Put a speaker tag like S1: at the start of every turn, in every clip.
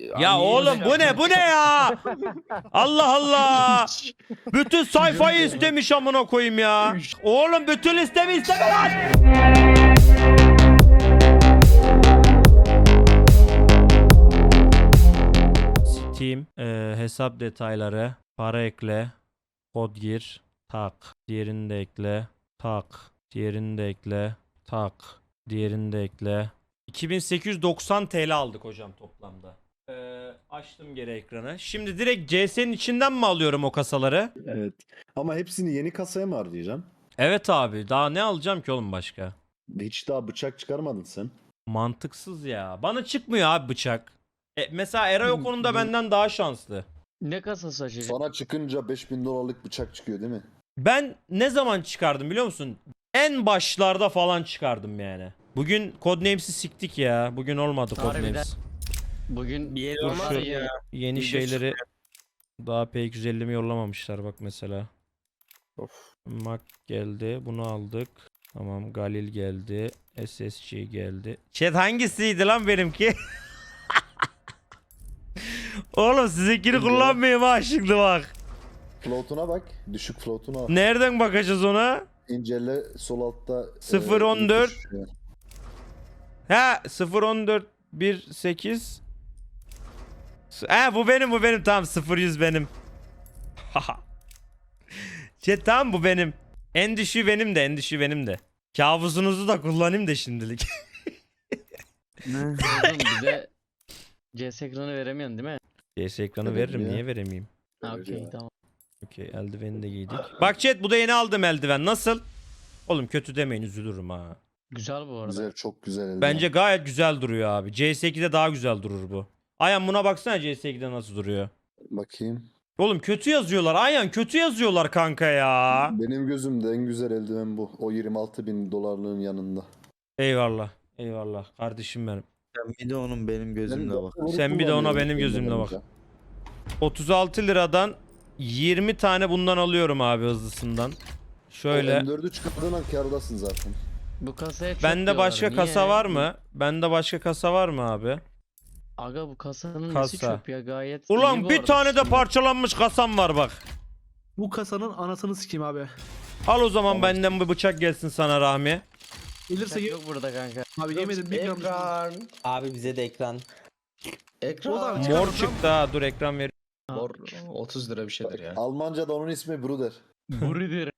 S1: Ya oğlum bu ne ya? Allah Allah. Bütün sayfayı istemiş amına koyayım ya. Oğlum bütün listemi isteme lan. Steam hesap detayları, para ekle, kod gir, tak. Diğerini de ekle, tak. Diğerini de ekle, tak. Diğerini de ekle. 2890 TL aldık hocam toplamda. Açtım geri ekranı. Şimdi direkt CS'nin içinden mi alıyorum o kasaları?
S2: Evet. Ama hepsini yeni kasaya mı harcayacaksın?
S1: Evet abi. Daha ne alacağım ki oğlum başka?
S2: Hiç daha bıçak çıkarmadın sen.
S1: Mantıksız ya. Bana çıkmıyor abi bıçak. Mesela Eray o konuda benden daha şanslı.
S3: Ne kasası açacak?
S2: Sana çıkınca 5000 dolarlık bıçak çıkıyor değil mi?
S1: Ben ne zaman çıkardım biliyor musun? En başlarda falan çıkardım yani. Bugün Codenames'i siktik ya. Bugün olmadı
S3: Harbiden.
S1: Codenames.
S3: Bugün
S4: Bir yere
S1: Dur
S4: olmaz
S1: şu-
S4: ya.
S1: Yeni
S4: Video
S1: şeyleri daha P250'mi yollamamışlar bak mesela.
S2: Of.
S1: Mac geldi. Bunu aldık. Tamam. Galil geldi. SSG geldi. Chat hangisiydi lan benimki? Oğlum sizinkini kullanmayayım ha şimdi bak.
S2: Float'una bak. Düşük float'una bak.
S1: Nereden bakacağız ona?
S2: İncele sol altta.
S1: 0.14.
S2: iyi tuş.
S1: Ha 0.14.1.8. Ha bu benim tamam 0.100 benim. Chat tamam bu benim. En düşüğü benim de. Kabusunuzu da kullanayım da şimdilik.
S3: oğlum bize CS ekranı veremiyorsun değil mi?
S1: CS ekranı
S2: Evet
S1: veririm
S2: ya.
S1: niye veremeyeyim?
S3: Ha
S2: Evet
S3: okey
S2: ya.
S3: tamam.
S1: Okey eldiveni de giydik. Bak chat bu da yeni aldım eldiven nasıl? Oğlum kötü demeyin üzülürüm ha.
S3: Güzel bu arada.
S2: Güzel, çok güzel. eldiven.
S1: Bence gayet güzel duruyor abi. CS2'de daha güzel durur bu. Ayhan buna baksana CS2'de nasıl duruyor.
S2: Bakayım.
S1: Oğlum kötü yazıyorlar. Ayhan kötü yazıyorlar kanka ya.
S2: Benim gözümde en güzel eldiven bu. O 26.000 dolarlığın yanında.
S1: Eyvallah. Eyvallah kardeşim benim.
S4: Sen bir de onun benim gözümle bak.
S1: Sen bir de ona benim gözümle bak. 36 liradan 20 tane bundan alıyorum abi hızlısından. Şöyle.
S2: M4'ü çıkardığın an kârdasın zaten.
S3: Bu kasaya çok
S1: Bende
S3: diyorlar.
S1: başka
S3: Niye?
S1: kasa var mı? Bende başka kasa var mı abi?
S3: Aga bu kasanın
S1: Kasa.
S3: nesi çöp ya gayet iyi
S1: Ulan
S3: bu
S1: bir
S3: arada.
S1: tane de parçalanmış kasam var bak.
S5: Bu kasanın anasını sikeyim abi.
S1: Al o zaman benden bir bıçak gelsin sana Rahmi.
S5: Gelirse
S3: Bıçak yok burada kanka.
S5: abi yemedim bir gram.
S6: Ekran.
S4: Abi bize de ekran.
S6: Ekran.
S5: O da-
S1: Mor
S5: Çıkarmasam-
S1: çıktı ha dur ekran ver.
S6: Mor 30 lira bir şeydir ya.
S2: Almanca'da onun ismi Bruder.
S3: Buridir.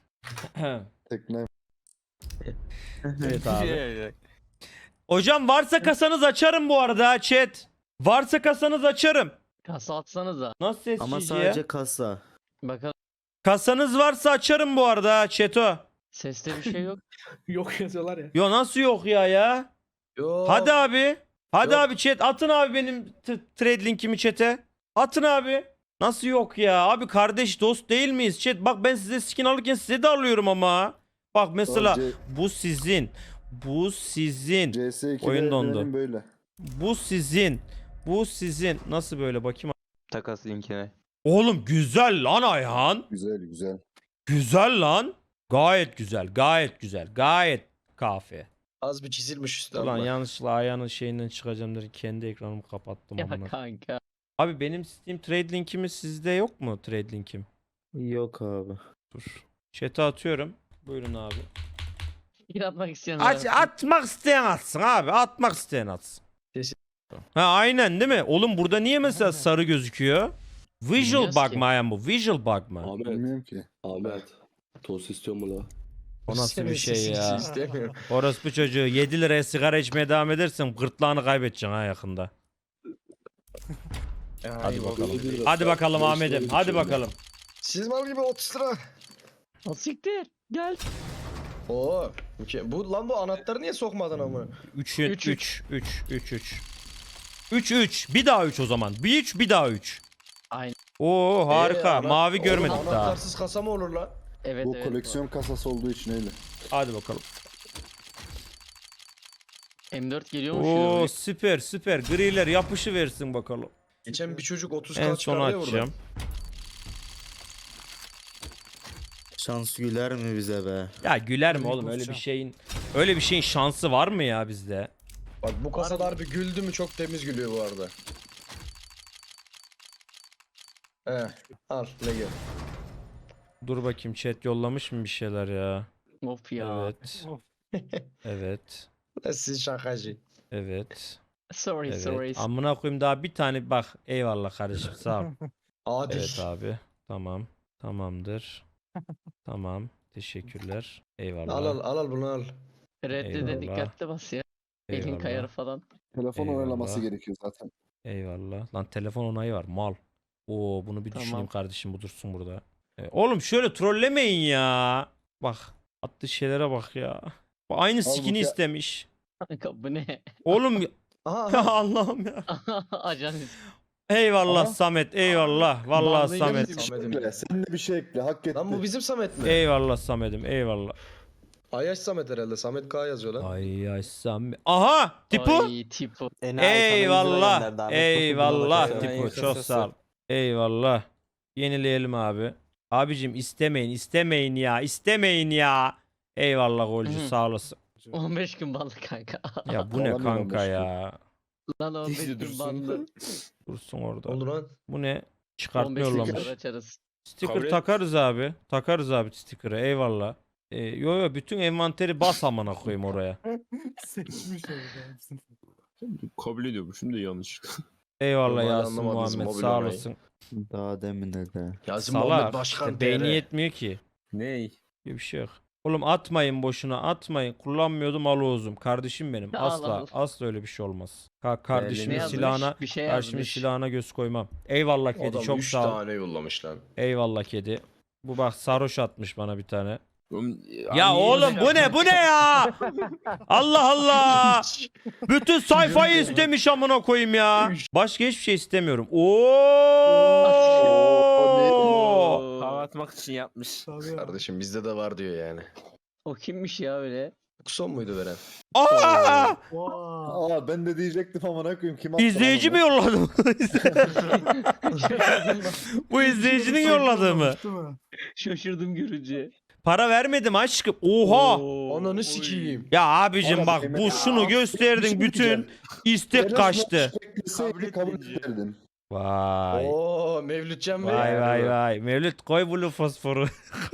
S2: Tekne.
S1: Evet abi. Hocam varsa kasanız açarım bu arada ha, chat. Varsa kasanız açarım.
S3: Kasa atsanıza.
S1: Nasıl ses
S4: Ama
S1: çiziyor?
S4: sadece kasa.
S3: Bakalım
S1: Kasanız varsa açarım bu arada ha, chat'o.
S3: seste bir şey yok.
S5: Yok yazıyorlar ya.
S1: Yo nasıl yok ya?
S6: Yok.
S1: Hadi abi. Hadi
S6: Yok.
S1: abi chat atın abi benim trade linkimi chat'e. Atın abi. Nasıl yok ya? Abi kardeş dost değil miyiz chat? Bak ben size skin alırken size de alıyorum ama. Bak mesela
S2: C-
S1: bu sizin. Bu sizin.
S2: CS2
S1: Oyun dondu.
S2: eldivenim böyle.
S1: Bu sizin. Bu sizin. Nasıl böyle bakayım.
S4: Takas linkine.
S1: Oğlum güzel lan Ayhan.
S2: Güzel güzel.
S1: Güzel lan. Gayet güzel. Gayet güzel. Gayet kafi.
S6: Az bir çizilmiş üstü
S1: Ulan
S6: ama.
S1: yanlışlıkla Ayhan'ın şeyinden çıkacağım derken kendi ekranımı kapattım
S3: Ya
S1: amına.
S3: kanka.
S1: Abi benim Steam trade linkimi sizde yok mu trade linkim?
S4: Yok abi.
S1: Dur. Chat'e atıyorum. Buyurun abi.
S3: Bir atmak isteyen
S1: Atmak isteyen atsın abi. Atmak isteyen atsın.
S6: Kesin.
S1: Ha aynen değil mi? Oğlum burada niye mesela sarı gözüküyor? Visual
S3: Bilmiyoruz
S1: bug
S3: ki.
S1: mı Ayhan bu? Visual bug mı?
S7: Ahmet,
S2: Bilmiyorum ki.
S7: Ahmet. Tost istiyor mu la?
S1: O nasıl bir
S6: Senin
S1: şey
S6: sesini
S1: ya?
S6: istemiyorum.
S1: Orospu çocuğu 7 liraya sigara içmeye devam edersen gırtlağını kaybedeceksin ha yakında.
S6: Hadi
S1: bakalım. Hadi bakalım Ahmet'im. Hadi bakalım.
S6: Siz mal gibi 30 lira.
S3: O siktir. Gel.
S6: Oo. Bu lan bu anahtarı niye sokmadın ama?
S1: 3
S3: Üç,
S1: 3 3 3 3 3 3 bir daha 3 o zaman. Bir 3 bir daha 3.
S3: Aynen.
S1: Oo harika. Mavi görmedik
S6: Oğlum,
S1: daha.
S6: Anahtarsız kasa mı olur lan?
S3: Evet
S2: Bu
S3: evet.
S2: koleksiyon kasası olduğu için öyle.
S1: Hadi bakalım.
S3: M4 geliyormuş.
S1: Oo
S3: Oo.
S1: süper süper. Griler yapışı versin bakalım.
S6: Geçen bir çocuk 30
S1: En
S6: k
S1: son
S6: çıkardı ya burada.
S1: açacağım.
S4: Şans güler mi bize be?
S1: Ya güler mi
S5: Büyük
S1: oğlum öyle bir
S5: pozisyon.
S1: şeyin şansı var mı ya bizde?
S6: Bak bu kasalar bir güldü mü çok temiz gülüyor bu arada. He. Al Lego.
S1: Dur bakayım chat yollamış mı bir şeyler ya?
S3: Of ya.
S1: Evet. Evet.
S6: Siz şakacı.
S1: Evet.
S3: Sorry
S1: Evet.
S3: sorry.
S1: Amına koyayım daha bir tane bak. Eyvallah kardeşim sağ ol.
S6: Adil.
S1: Evet abi. Tamam. Tamamdır. Tamam. Teşekkürler. Eyvallah.
S6: Al bunu al.
S3: Redde
S1: Eyvallah.
S3: de dikkatli bas ya. Elin
S1: Eyvallah.
S3: kayar falan.
S2: Telefon
S1: Eyvallah.
S2: oynaması gerekiyor zaten.
S1: Eyvallah. Lan telefon onayı var. Mal. Oo bunu bir düşüneyim
S3: Tamam.
S1: kardeşim bu dursun burada. Oğlum şöyle trollemeyin ya. Bak. Attığı şeylere bak ya. Bu aynı
S2: Halbuki-
S1: skin'i istemiş.
S3: Kanka bu ne?
S1: Oğlum ya
S6: Aha.
S1: Allah'ım ya.
S3: Ajan
S1: Eyvallah
S2: Aha.
S1: Samet. Eyvallah. Vallahi
S3: Vallahi
S1: Samet.
S2: Bir şey
S6: Samet'im.
S2: ekle. Sen de bir şey ekle. Hak etti.
S6: Lan bu bizim Samet mi?
S1: Eyvallah Samet'im. Eyvallah.
S6: Ayaş Samet herhalde. Samet K yazıyor lan.
S1: Ay ay Samet. Aha! Tipu.
S3: Ay tipo.
S1: Eyvallah. Eyvallah
S4: bakıyorum.
S1: Tipu.
S4: En
S1: Çok
S4: kısası.
S1: sağ ol. Eyvallah. Yenileyelim abi. Abicim istemeyin. İstemeyin ya. İstemeyin ya. Eyvallah golcü
S3: Hı.
S1: sağ olasın.
S3: 15 gün banlı kanka.
S1: Ya bu ne
S2: Alamıyorum
S1: kanka
S2: başka.
S1: ya.
S3: Lan 15 gün
S4: dursun.
S3: banlı.
S1: Dursun orada.
S6: Oldu lan.
S1: Bu ne? Çıkartma
S3: 15 gün
S1: yollamış.
S3: sonra açarız.
S1: Sticker
S4: Kabul et.
S1: takarız abi. Takarız abi sticker'ı. Eyvallah. Yo bütün envanteri bas amına koyayım oraya.
S5: Seçmiş orada.
S7: Kabul ediyormuşum da yanlış.
S1: Eyvallah
S6: Hala
S1: Yasin
S6: anlamadınız
S1: Muhammed
S6: mobil
S1: sağ
S6: olayı.
S1: olasın.
S4: Daha demin de.
S6: Yasin
S1: Salak.
S6: Muhammed Başkan
S1: İşte beyni
S6: TR.
S1: yetmiyor ki.
S4: Ney?
S1: Gibi bir şey yok. Oğlum atmayın boşuna atmayın. Kullanmıyordum alozum. Kardeşim benim.
S3: Al,
S1: Asla
S3: al.
S1: asla öyle bir şey olmaz.
S3: Ne
S1: Kardeşimin
S3: yazmış?
S1: silahına
S3: Bir şey
S1: kardeşimin
S3: yazmış.
S1: silahına göz koymam. Eyvallah kedi
S6: Adam
S1: çok
S6: 3
S1: sağ ol.
S6: tane yollamış lan.
S1: Eyvallah kedi. Bu bak sarhoş atmış bana bir tane.
S7: Oğlum,
S1: Ya oğlum bu ne bu ne ya? Allah Allah. Bütün sayfayı istemiş amına koyayım ya. Başka hiçbir şey istemiyorum. Oo.
S4: Hava atmak için yapmış.
S6: Kardeşim bizde de var diyor yani.
S3: O kimmiş ya öyle?
S6: Son muydu veren?
S1: Aa!
S2: Aa ben de diyecektim amına koyayım. Kim attı lan
S1: İzleyici
S2: onu?
S1: mi yolladı? Bu izleyicinin yolladığı mı?
S3: Şaşırdım görünce.
S1: Para vermedim aşkım. Oha.
S6: Ananı sikeyim.
S1: Ya abicim
S2: Oğlum,
S1: bak bu
S2: Emre-
S1: şunu gösterdin bütün
S2: diyeceğim.
S1: istek
S2: Enes
S1: kaçtı.
S2: Moş bekleseydi kabul ederdim.
S1: Vay.
S6: Oo Mevlütcan Bey.
S1: Vay vay vay. Mevlüt koy bunu fosforu.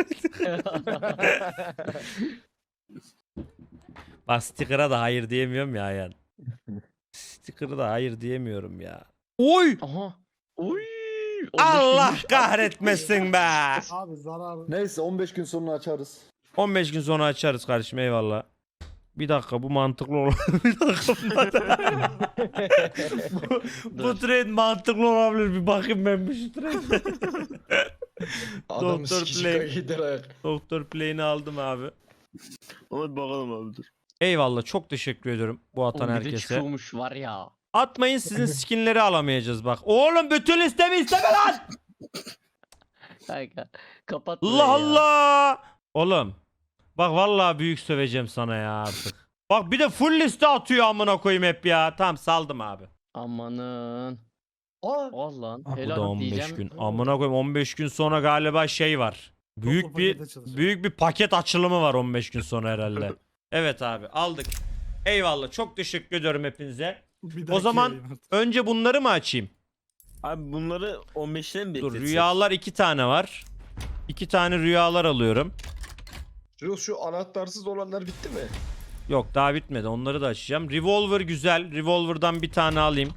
S1: Bak sticker'a da hayır diyemiyorum ya yani. Sticker'a da hayır diyemiyorum ya. Oy!
S3: Aha. Uy. 15
S1: Allah
S3: günmüş.
S1: kahretmesin be.
S5: Abi zarar.
S2: Neyse 15 gün sonra açarız.
S1: 15 gün sonra açarız kardeşim eyvallah. Bir dakika bu mantıklı olur. Bir dakika bu trade mantıklı olabilir. Bir bakayım ben bu şu trade.
S6: Adam
S1: Doktor
S6: sikici
S1: Play.
S6: gider ayak.
S1: Doktor Play'ini aldım abi.
S7: Hadi bakalım abi dur.
S1: Eyvallah çok teşekkür ediyorum bu atan
S3: Oğlum bir de
S1: herkese.
S3: çıkıyormuş var ya.
S1: Atmayın sizin skinleri alamayacağız bak. Oğlum bütün listemi isteme lan.
S3: Kanka. Kapat
S1: Allah
S3: burayı ya.
S1: Allah. Oğlum. Bak vallahi büyük söveceğim sana ya artık. Bak bir de full liste atıyor amına koyayım hep ya. Tamam saldım abi.
S3: Amanın.
S6: Aa.
S3: Al lan.
S1: Bu da
S3: Helal
S1: 15
S3: diyeceğim.
S1: gün. Amına koyayım 15 gün sonra galiba şey var. Büyük bir paket açılımı var 15 gün sonra herhalde. Evet abi aldık. Eyvallah çok teşekkür ediyorum hepinize. O zaman önce bunları mı açayım?
S4: Abi bunları 15'ten mi
S1: Dur
S4: bekletsek?
S1: rüyalar 2 tane var. 2 tane rüyalar alıyorum.
S6: Şu anahtarsız olanlar bitti mi?
S1: Yok daha bitmedi onları da açacağım. Revolver güzel. Revolver'dan bir tane alayım.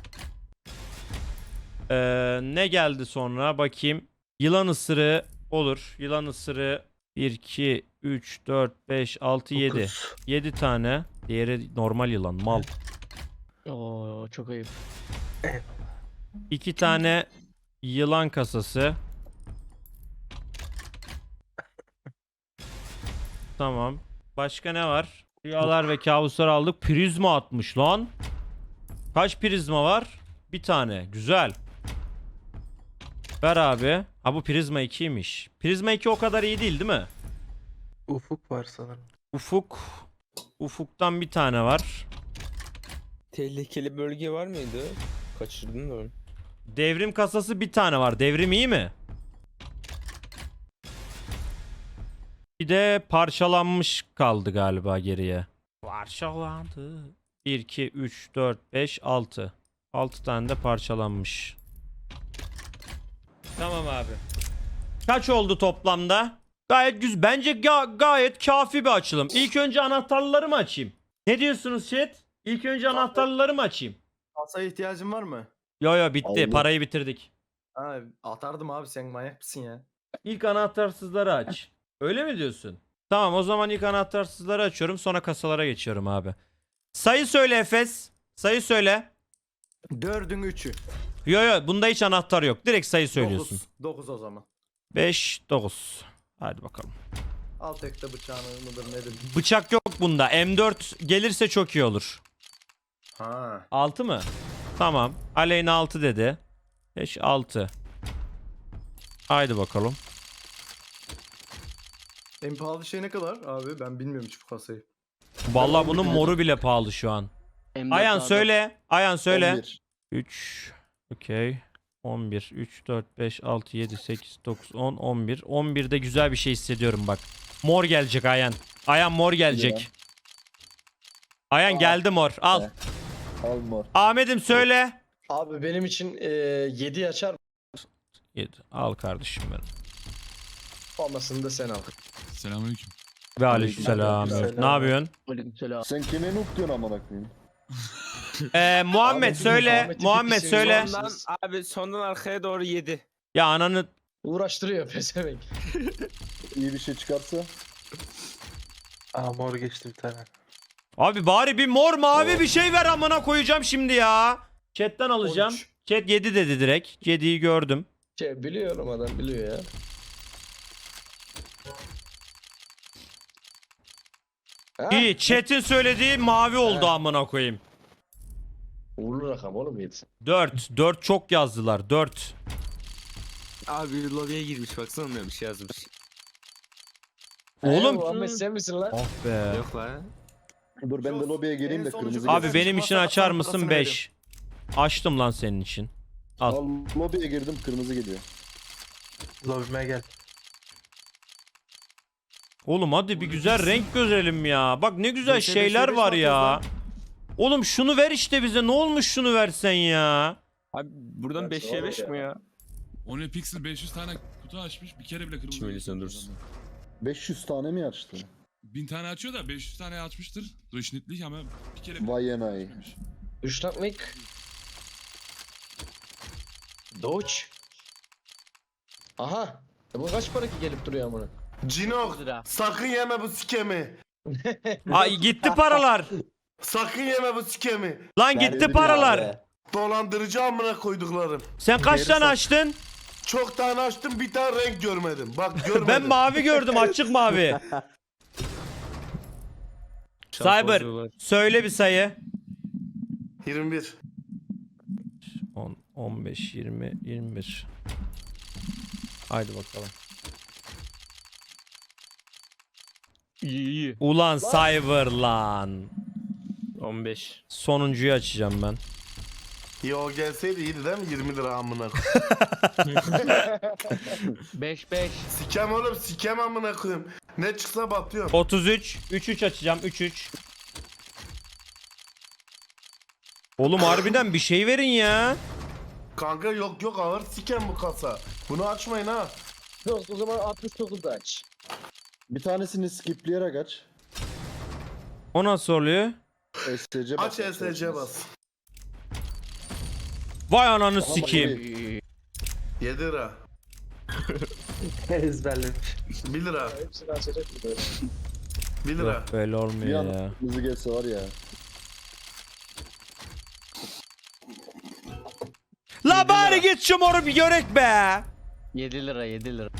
S1: Ne geldi sonra bakayım. Yılan ısırığı olur. Yılan ısırığı 1, 2, 3, 4, 5, 6, 7. 7 tane. Diğeri normal yılan mal.
S3: Oo çok ayıp.
S1: 2 tane yılan kasası. Tamam. Başka ne var? Rüyalar ve kabuslar aldık. Prizma atmış lan. Kaç prizma var? Bir tane. Güzel. Ver abi. Ha bu prizma 2'ymiş. Prizma 2 o kadar iyi değil mi?
S5: Ufuk var sanırım.
S1: Ufuk. Ufuktan bir tane var.
S4: Tehlikeli bölge var mıydı? Kaçırdın da onu.
S1: Devrim kasası bir tane var. Devrim iyi mi? Bir de parçalanmış kaldı galiba geriye. Parçalandı. 1, 2, 3, 4, 5, 6. 6 tane de parçalanmış. Tamam abi. Kaç oldu toplamda? Gayet güzel. Bence gayet kafi bir açılım. İlk önce anahtarları mı açayım? Ne diyorsunuz chat? İlk önce anahtarları mı açayım?
S6: Kasaya ihtiyacın var mı?
S1: Yo bitti.
S2: Allah.
S1: Parayı bitirdik.
S6: Ha, atardım abi, sen manyak mısın ya?
S1: İlk anahtarsızları aç. Öyle mi diyorsun? Tamam, o zaman ilk anahtarsızları açıyorum. Sonra kasalara geçiyorum abi. Sayı söyle Efes. Sayı söyle.
S6: 4'ün 3'ü.
S1: Yo bunda hiç anahtar yok. Direkt sayı söylüyorsun.
S6: 9 o zaman.
S1: 5, 9. Hadi bakalım.
S6: Al tekte bıçağını mıdır nedir?
S1: Bıçak yok bunda. M4 gelirse çok iyi olur.
S6: Ha.
S1: 6 mı? Tamam. Aleyna 6 dedi. 5, 6. Haydi bakalım.
S6: En pahalı şey ne kadar abi? Ben bilmiyorum hiç bu kasayı.
S1: Vallahi bunun moru bile pahalı şu an.
S3: M4
S1: Ayan
S3: A'da.
S1: söyle. Ayan söyle.
S2: 11.
S1: 3. Okey. 11. 3, 4, 5, 6, 7, 8, 9, 10, 11. 11'de güzel bir şey hissediyorum bak. Mor gelecek Ayan. Ayan mor gelecek. Ayan geldi mor. Al.
S2: Evet. Al mor.
S1: Ahmet'im söyle.
S6: Abi benim için 7 açar
S1: 7. Al kardeşim benim.
S6: olmasını da sen al.
S8: Selamünaleyküm.
S1: Ve aleykümselam.
S2: Aleykümselam.
S1: Ne yapıyorsun?
S3: Aleykümselam.
S2: Sen kime nuk diyorsun amına koyayım?
S1: Muhammed
S6: Ahmet'in-
S1: söyle.
S6: Ahmet'in
S1: Muhammed
S6: pipisi
S1: söyle.
S6: var.
S4: Abi sondan arkaya doğru 7.
S1: Ya ananı.
S6: Uğraştırıyor pezevenk.
S2: İyi bir şey çıkarsa.
S5: Aa mor geçti bir tane.
S1: Abi bari bir mor mavi bir şey ver, amına koyacağım şimdi ya. Chat'ten alacağım.
S6: 13.
S1: Chat 7 dedi direkt. 7'yi gördüm.
S6: Biliyorum, adam biliyor ya. Ha?
S1: İyi. Chat'in söylediği mavi oldu amına koyayım.
S6: Uğurlu rakam oğlum 7.
S1: 4. 4 çok yazdılar. 4.
S4: Abi lobiye girmiş baksana ne bir şey yazmış.
S1: Oğlum.
S6: Muhammed sen misin lan?
S1: Ah be.
S4: Yok lan.
S2: Dur ben de lobiye gireyim de
S6: En sonucu
S2: kırmızı
S1: Abi
S2: gelsin.
S1: benim için açar mısın 5? Açtım lan senin için. Al.
S2: Al lobiye girdim, kırmızı geliyor.
S5: Lobime gel.
S1: Oğlum hadi bir güzel renk görelim ya. Bak ne güzel şeyler var ya. Oğlum şunu ver işte bize. Ne olmuş şunu versen ya.
S4: Abi buradan
S6: Ya
S4: 5'e 5 mi ya?
S8: O ne Pixel 500 tane kutu açmış. Bir kere bile kırmızı.
S4: Şimdi
S8: yok
S4: söndürsün.
S8: adamda.
S2: 500 tane mi açtı?
S8: 1000 tane açıyor da 500 tane açmıştır. Duruşnitlik ama bir kere bile
S2: Vay enayi.
S8: açmamış.
S6: Düşnaknik. Doç. Aha. Bu kaç para ki gelip duruyor amına?
S9: Cino
S3: Lira.
S9: sakın yeme bu sikemi.
S1: Ay gitti paralar.
S9: Sakın yeme bu sikemi.
S1: Lan gitti paralar.
S9: Dolandırıcı amına koyduklarım.
S1: Sen kaç tane açtın?
S9: Çok tane açtım, bir tane renk görmedim. Bak görmedim.
S1: Ben mavi gördüm, açık mavi. Cyber söyle bir sayı.
S9: 21.
S1: 10, 15, 20, 21. Haydi bakalım.
S3: İyi.
S1: Ulan Cyber lan.
S4: 15.
S1: Sonuncuyu açacağım ben.
S9: Yo gelseydi iyiydi değil mi? 20 lira amına.
S3: 5.
S9: Sikem oğlum, sikem amına koyayım. Ne çıksa batıyorum.
S1: 33, 3 açacağım, 3. Oğlum harbiden bir şey verin ya.
S9: Kanka yok ağır sikem bu kasa. Bunu açmayın ha.
S6: O zaman 69 da aç.
S2: Bir tanesini skipleyerek aç.
S1: O nasıl oluyor?
S2: SC bas.
S9: Aç SC bas.
S1: Vay ananı
S2: Ama
S1: sikeyim.
S9: 7 lira.
S5: Ezberlemiş.
S9: 1 lira.
S6: Hepsini açacak mı böyle?
S9: 1 lira.
S1: Yok böyle
S2: Bir
S1: olmuyor
S2: an
S1: ya.
S2: kırmızı gelse var ya.
S1: La bari git şu moru bir görek be.
S3: 7 lira 7 lira.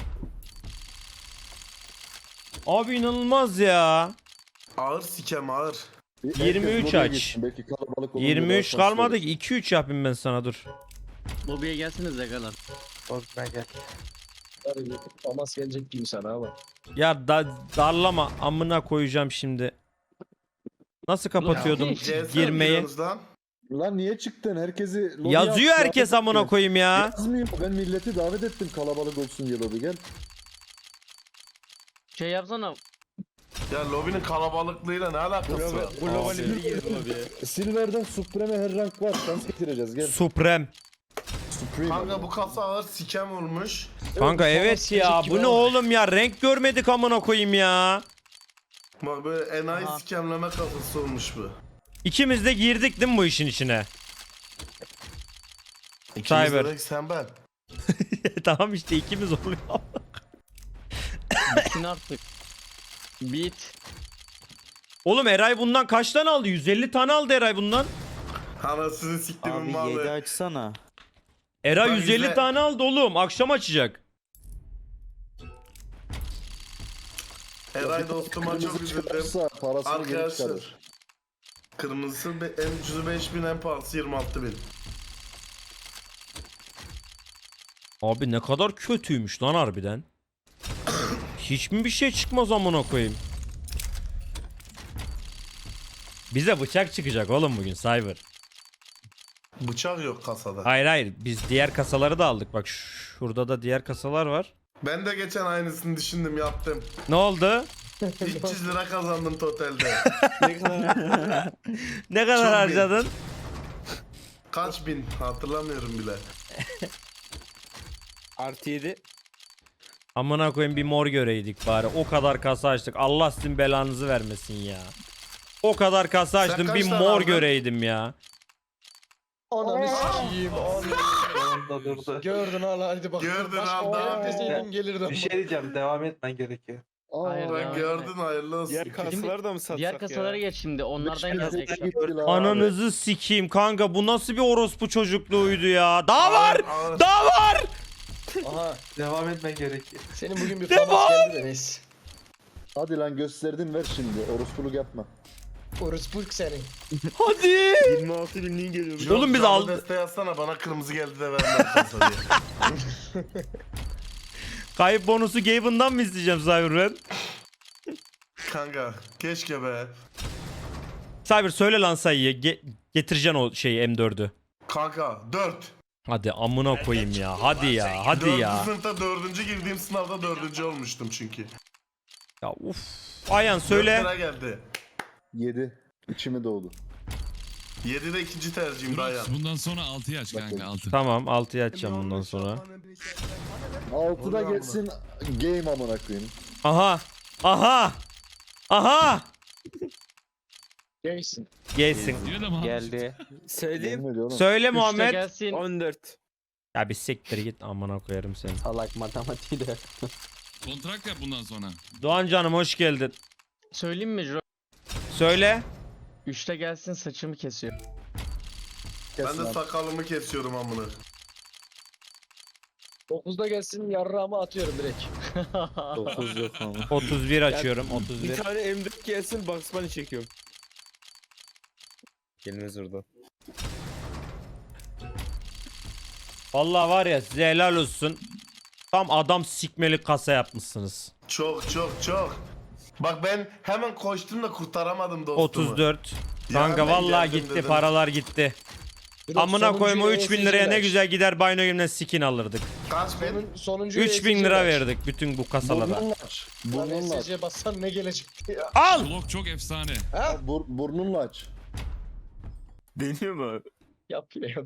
S1: Abi inanılmaz ya.
S9: Ağır sikem ağır.
S1: 23
S2: lobiye
S1: aç.
S2: gitsin, belki kalabalık olunca
S1: 23
S2: daha şanslı
S1: kalmadı
S2: olur.
S1: ki, 2-3 yapayım ben sana, dur.
S3: Lobiye gelsiniz Zagalar.
S5: Lobime gel.
S6: Famas gelecek gibi sana ama.
S1: Ya darlama, amına koyacağım şimdi. Nasıl kapatıyordum
S9: CS
S1: girmeyi?
S9: giriyorsunuz lan.
S2: Lan niye çıktın? Herkesi lobiye
S1: Yazıyor
S2: at,
S1: herkes
S2: davet
S1: amına
S2: ettim.
S1: koyayım ya.
S2: Yazmıyor. Ben milleti davet ettim kalabalık olsun diye lobi gel.
S3: Şey yapsana.
S9: Ya lobinin kalabalıklığıyla ne alakası var?
S4: Global girdi lobiye.
S2: Silver'den Supreme her rank var. Şans getireceğiz gel.
S1: Supreme.
S2: Supreme.
S9: Kanka bu kasa ağır sikem olmuş.
S1: Kanka evet ya. Bu ne oğlum ya? Renk görmedik amına koyayım ya.
S9: Bak böyle enayi sikemleme kasası olmuş bu.
S1: İkimiz de girdik değil mi bu işin içine?
S9: İkimiz
S1: Cyber.
S9: dedik sen ben.
S1: Tamam işte ikimiz oluyor.
S3: Bitsin artık. Bit.
S1: Oğlum Eray bundan kaç tane aldı? 150 tane aldı Eray bundan.
S9: Anasını siktimin malı.
S10: açsana.
S1: Eray
S9: Ben
S1: 150
S9: güzel-
S1: tane aldı oğlum. Akşam açacak.
S9: Eray dostuma çok üzüldüm.
S2: Çıkarsa parasını geri
S9: Arkadaşlar.
S2: çıkarır.
S9: Kırmızısı en ucuzu 5000, en pahalısı 26000.
S1: Abi ne kadar kötüymüş lan harbiden. Hiç mi bir şey çıkmaz amına koyayım? Bize bıçak çıkacak oğlum bugün Cyber.
S9: Bıçak yok kasada.
S1: Hayır hayır biz diğer kasaları da aldık. Bak şurada da diğer kasalar var.
S9: Ben de geçen aynısını düşündüm yaptım.
S1: Ne oldu?
S9: 300 lira kazandım totalde.
S1: Ne kadar
S9: Çok
S1: harcadın?
S9: Kaç bin hatırlamıyorum bile.
S4: Artı 7.
S1: Amına koyayım bir mor göreydik bari. O kadar kasa açtık. Allah sizin belanızı vermesin ya. O kadar kasa
S9: Sen
S1: açtım
S9: kaç
S1: bir
S9: tane
S1: mor
S9: aldın?
S1: göreydim ya.
S6: Ananı sikeyim.
S5: Sonunda durdu.
S6: Gördün hala hadi bak.
S9: Gördün
S6: Başka
S9: abi.
S6: oyun deseydim gelirdim.
S5: Bir şey diyeceğim. Devam etmen gerekiyor.
S3: Hayır,
S9: Ben
S3: devam
S9: gördün hayırlı olsun.
S4: Diğer kasaları da mı satsak
S3: Diğer kasalara geç şimdi. Onlardan gelecek.
S2: Gitti lan.
S1: Ananızı sikeyim kanka bu nasıl bir orospu çocukluğuydu ya. Daha var.
S9: Ağır.
S1: Daha var.
S6: Aha
S5: Devam etmen gerekiyor.
S6: senin bugün bir famas geldi de neyse.
S2: Hadi lan gösterdin ver şimdi. Orospuluk yapma.
S6: Orosburg senin.
S1: Hadi.
S7: 26 binliğin geliyor.
S9: Yok,
S1: Oğlum biz
S9: canlı
S1: aldık.
S9: desteği yazsana bana kırmızı geldi de vermem kasa diye.
S1: Kayıp bonusu Gaben'dan mı isteyeceğim Cyber ben?
S9: Kanka keşke be.
S1: Cyber söyle lan sayıyı. Getireceksin o şeyi M4'ü.
S9: Kanka 4.
S1: Hadi amına koyayım ya. Hadi ya. Hadi
S9: 4.
S1: ya.
S9: sınıfta 4. girdiğim sınavda 4. olmuştum çünkü.
S1: Ya uf. Ayhan söyle.
S9: 4 lira geldi.
S2: 7. İçime doğdu.
S9: 7 de ikinci tercihim Dayan.
S8: Bundan sonra 6'yı aç kanka 6.
S1: Tamam 6'yı açacağım bundan sonra.
S2: 6'da geçsin game amına koyayım.
S1: Aha. Aha. Aha.
S6: Gelsin.
S1: Gelsin.
S8: Yine de mi?
S10: Geldi.
S4: Söyleyeyim.
S2: Yemin ediyorum.
S1: Söyle
S3: Üçte
S1: Muhammed.
S3: gelsin.
S4: 14.
S1: Ya bir siktir git amına koyarım seni.
S10: Salak matematiği de.
S8: Kontrakt yap bundan sonra.
S1: Doğan canım hoş geldin.
S3: Söyleyeyim mi Jiro?
S1: Söyle.
S3: 3'te gelsin saçımı kesiyor.
S9: Ben
S2: Kesin
S9: de
S2: abi.
S9: sakalımı kesiyorum amına.
S6: 9'da gelsin yarrağımı atıyorum direkt.
S10: 9 yok ama.
S1: 31 açıyorum
S4: Bir
S1: 31.
S4: tane M4 gelsin Bugs Bunny çekiyorum. Gelmez orada.
S1: Vallahi var ya size helal olsun. Tam adam sikmeli kasa yapmışsınız.
S9: Çok çok çok. Bak ben hemen koştum da kurtaramadım dostumu.
S1: 34.
S9: Ya
S1: Kanka
S9: ben
S1: vallahi
S9: geldim
S1: gitti
S9: dedim.
S1: paralar gitti. Amına koyma 3000 liraya ne güzel gider Bino Game'den skin alırdık.
S9: Kaç bin?
S6: Sonuncu
S1: 3000 lira verdik bütün bu kasalara.
S2: Burnunla aç. Burnunla aç.
S6: SC bassan ne gelecekti ya.
S1: Al!
S8: Blok çok efsane.
S2: Burnunla aç.
S7: Deniyor mu abi?
S6: Yap yine yap.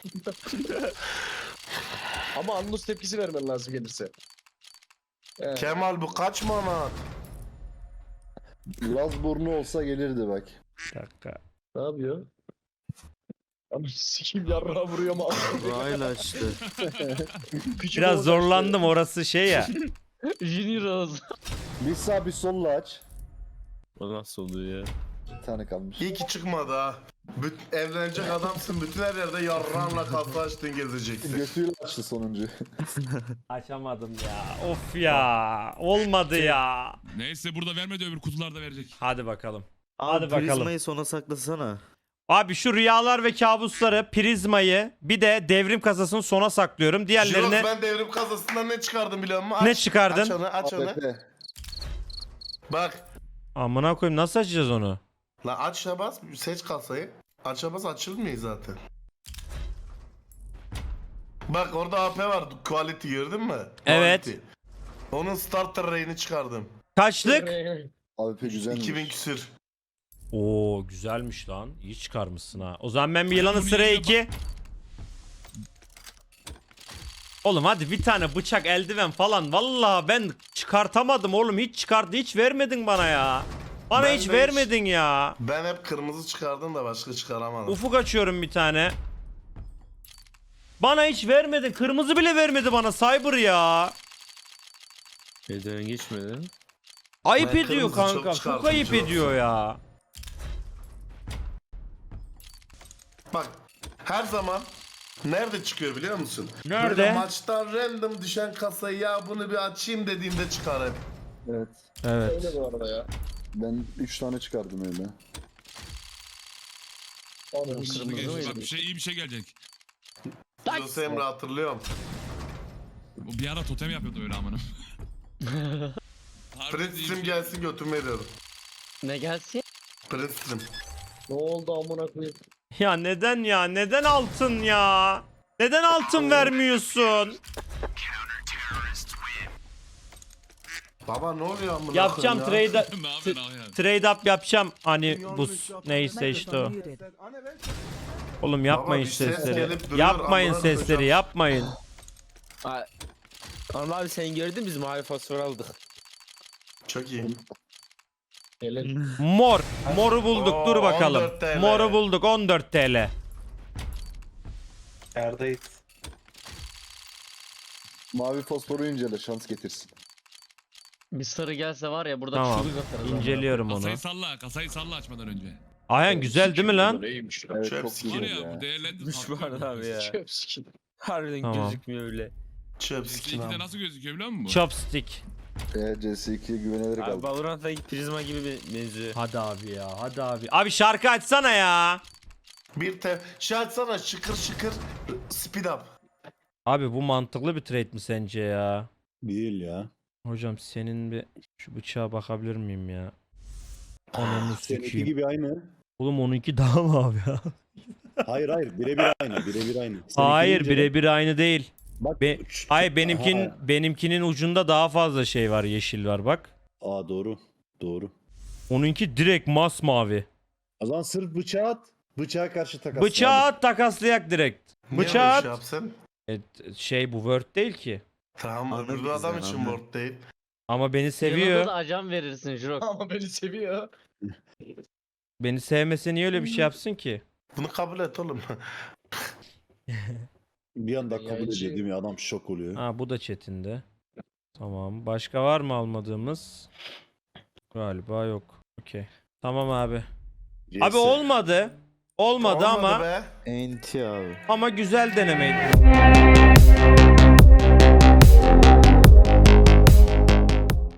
S6: Ama Anlus tepkisi vermen lazım gelirse.
S9: Kemal bu kaç manat?
S2: Laz burnu olsa gelirdi bak.
S1: Bir dakika.
S6: Ne yapıyor? Ama sikim yarrağı vuruyor ama.
S10: Rayla açtı.
S1: Biraz zorlandım orası şey ya.
S3: Junior Rose.
S2: Bir sağ bir solla aç.
S7: O nasıl oluyor ya?
S2: Bir tane kalmış.
S9: İyi ki çıkmadı ha. Evlenecek adamsın. Bütün her yerde yarrağınla kafa açtın gezeceksin.
S2: Götüyle açtı sonuncu.
S1: Açamadım ya. Of ya. Olmadı ya.
S8: Neyse burada vermedi öbür kutularda verecek.
S1: Hadi bakalım.
S10: Abi
S1: Hadi bakalım.
S10: prizmayı sona saklasana.
S1: Abi şu rüyalar ve kabusları, prizmayı bir de devrim kasasını sona saklıyorum.
S9: Jirox
S1: Diğerlerini
S9: ben devrim kasasından ne çıkardım biliyor musun? Aç,
S1: ne çıkardın?
S9: Aç onu aç onu.
S2: AWP.
S9: Bak.
S1: Amına koyayım nasıl açacağız onu?
S9: La aç'a bas seç kasayı. Aç'a bas açılmıyor zaten. Bak orada AP var. Quality gördün mü?
S1: Evet.
S9: Quality. Onun starter ray'ini çıkardım.
S1: Kaçlık?
S2: AWP güzelmiş.
S9: 2000 küsür.
S1: Oo güzelmiş lan. İyi çıkarmışsın ha. O zaman ben bir yılanı
S8: Bunu
S1: sıraya
S8: yine
S1: 2. Oğlum hadi bir tane bıçak, eldiven falan. Vallahi ben çıkartamadım oğlum. Hiç vermedin bana ya. Bana
S9: Ben
S1: hiç
S9: de
S1: vermedin ya.
S9: Ben hep kırmızı çıkardım da başka çıkaramadım.
S1: Ufuk açıyorum bir tane. Bana hiç vermedin. Kırmızı bile vermedi bana Cyber ya.
S7: Elden geçmedi.
S1: Ayıp
S9: Ben
S1: ediyor
S9: kırmızı çok
S1: kanka. Çok
S9: çıkardım,
S1: ayıp
S9: çok.
S1: ediyor ya.
S9: Bak her zaman nerede çıkıyor biliyor musun?
S1: Nerede?
S9: Böyle maçtan random düşen kasayı ya bunu bir açayım dediğimde çıkar hep.
S2: Evet.
S1: Evet.
S6: Öyle bu arada ya.
S2: Ben 3 tane çıkardım öyle.
S6: Ananı
S3: Kırmızı
S6: sikeyim.
S3: mıydı?
S8: Bak iyi bir şey gelecek.
S9: Jose Emre hatırlıyorum.
S8: O bir ara totem yapıyordu öyle amına. Harbiden
S9: Prince
S8: iyi bir
S9: Stream
S8: şey.
S9: gelsin götürmeye diyorum.
S3: Ne gelsin?
S9: Prince Stream.
S6: Ne oldu amına koyayım?
S1: Ya neden ya? Neden altın ya? Neden altın vermiyorsun?
S9: Baba ne oluyor amına
S1: Yapacağım
S9: koyayım ya?
S1: trade
S8: Ne yapıyorsun abi ya?
S1: trade up yapacağım. Hani bu neyse işte o. Oğlum yapmayın
S9: bir ses
S1: sesleri.
S9: gelip duruyor,
S1: Yapmayın
S9: amına
S1: sesleri,
S9: koyacağım.
S1: yapmayın.
S4: Anıl abi sen gördün biz mavi fosfor aldık.
S9: Çok iyi.
S6: Helal.
S1: Mor. Moru bulduk.
S9: Oo,
S1: Dur bakalım.
S9: 14 TL.
S1: Moru bulduk 14 TL.
S5: Yerdeyiz.
S2: Mavi fosforu incele şans getirsin.
S3: Bir sarı gelse var ya burada
S1: Tamam.
S3: çığlık atarız. amına.
S1: İnceliyorum onu.
S8: Kasayı salla açmadan önce.
S1: Ayhan güzel değil mi lan?
S6: Neymiş lan?
S2: Evet
S9: Çöp
S2: çok
S9: sikeyim
S8: Var
S2: güzel
S8: ya
S2: ya.
S8: bu değerlendir.
S4: Düş var abi ya.
S6: Çöp sikeyim.
S4: Harbiden
S1: Tamam.
S4: gözükmüyor öyle.
S9: Çöp sikin
S8: CS2'de
S9: abi.
S8: nasıl gözüküyor biliyor musun bu?
S1: Chopstick.
S2: CS2'ye güvenerek
S4: Abi
S2: aldım.
S4: Valorant'taki prizma gibi benziyor.
S1: Hadi abi ya. Hadi abi. Abi şarkı açsana ya.
S9: Şey açsana şıkır şıkır speed up.
S1: Abi bu mantıklı bir trade mi sence ya?
S11: Değil ya.
S1: Hocam senin bir şu bıçağa bakabilir miyim ya? Ananı
S11: Seninki
S1: sikeyim.
S11: gibi aynı.
S1: Oğlum onunki daha mı abi ya?
S11: Hayır hayır birebir aynı birebir aynı.
S1: Hayır
S11: Seninkinin
S1: birebir aynı değil.
S11: Bak.
S1: Hayır benimkinin ucunda daha fazla şey var, yeşil var bak.
S11: Aa doğru. Doğru.
S1: Onunki direkt masmavi.
S11: O zaman sırf bıçağı at. Bıçağa karşı takas.
S1: Bıçağı at takaslayak direkt.
S9: Niye
S1: Bıçağı
S9: böyle
S1: at.
S9: şey yapsın?
S1: Şey bu Word değil ki.
S9: Tamam
S10: Anladık
S9: öbür adam
S10: biz
S9: için
S10: yani,
S9: word değil.
S1: Ama beni
S3: Yanında
S1: seviyor.
S3: da ajan verirsin Jirok.
S6: Ama beni seviyor.
S1: Beni sevmese niye öyle bir şey yapsın ki?
S9: Bunu kabul et oğlum.
S11: Bir anda kabul
S6: Yayıncı.
S11: ediyor değil mi? Adam şok oluyor.
S1: Ha bu da chatinde. Tamam. Başka var mı almadığımız? Galiba yok. Okey. Tamam abi. Abi olmadı. Olmadı ama
S9: be.
S10: Enti abi.
S1: ama güzel denemeydi.